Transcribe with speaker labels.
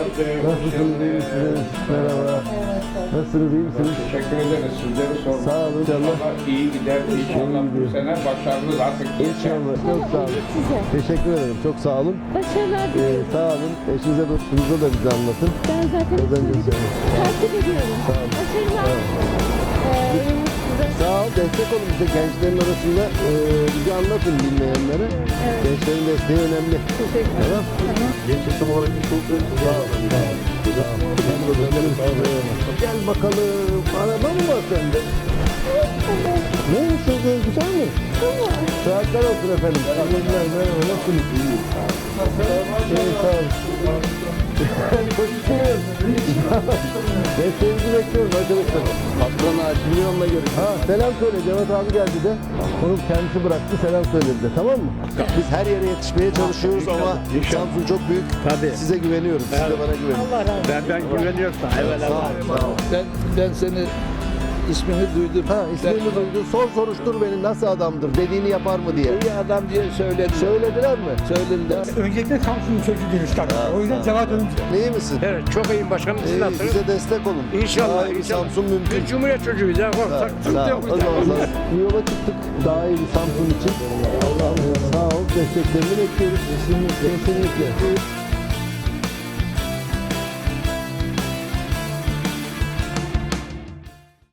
Speaker 1: Nasılsınız, iyi misiniz? Merhaba. Nasılsınız, iyi misiniz?
Speaker 2: Teşekkür ederiz. Sizleri sormak.
Speaker 1: Sağ olun.
Speaker 2: İnşallah iyi gider. İnşallah bu sene başarılı artık.
Speaker 1: İnşallah. Çok sağ olun.
Speaker 3: Size.
Speaker 1: Teşekkür ederim. Çok sağ olun.
Speaker 3: Başarılar diliyorum.
Speaker 1: Sağ olun. Eşinize, dostunuza da bize anlatın.
Speaker 3: Ben zaten
Speaker 1: Az önce söyledim.
Speaker 3: takip ediyorum.
Speaker 1: Sağ olun.
Speaker 3: Başarılar. Size.
Speaker 1: Sağ ol. Destek olun bize gençlerin arasında. Bize anlatın bilmeyenlere.
Speaker 3: Evet.
Speaker 1: Gençlerin desteği önemli.
Speaker 3: Teşekkür ederim.
Speaker 1: Tamam. Genç isim olarak çok sağ olun. Gel bakalım. Araba mı var sende? Neymiş o göz, güzel mi? Saatler olsun efendim. Teşekkürler. Merhaba. Nasılsınız? İyi. Sağ olun. Koşuyoruz. Desteğinizi bekliyoruz arkadaşlar. Patron Milyon'la görüşürüz. Ha, selam söyle. Cevat abi geldi de. Onu kendisi bıraktı. Selam söyledi de. Tamam mı? Biz her yere yetişmeye çalışıyoruz ama Samsun çok büyük.
Speaker 4: Tabii.
Speaker 1: Size güveniyorum. Siz de bana güvenin.
Speaker 4: Ben güveniyorum sana. Evet,
Speaker 1: Sağ ol. Sağ ol.
Speaker 5: Ben seni ismini duydum.
Speaker 1: Ha, ismini duydu. Soruştur beni nasıl adamdır, dediğini yapar mı diye.
Speaker 5: İyi adam diye söylediler.
Speaker 1: Söylediler mi?
Speaker 5: Söylediler.
Speaker 6: Öncelikle Samsun'un çocuğu demiş tabii. O yüzden Cevat Önce.
Speaker 1: İyi misin?
Speaker 4: Evet, çok iyiyim başkanım. Siz
Speaker 1: İyi,
Speaker 4: nasılsınız?
Speaker 1: bize destek olun.
Speaker 4: İnşallah,
Speaker 1: Daha iyi bir
Speaker 4: inşallah.
Speaker 1: Samsun mümkün.
Speaker 4: Biz Cumhuriyet çocuğuyuz ya.
Speaker 1: Sağ ol.
Speaker 4: Sıkıntı yok.
Speaker 1: O zaman bir yola çıktık. Daha iyi bir Samsun için. Sağ ol. Desteklerini bekliyoruz. Kesinlikle.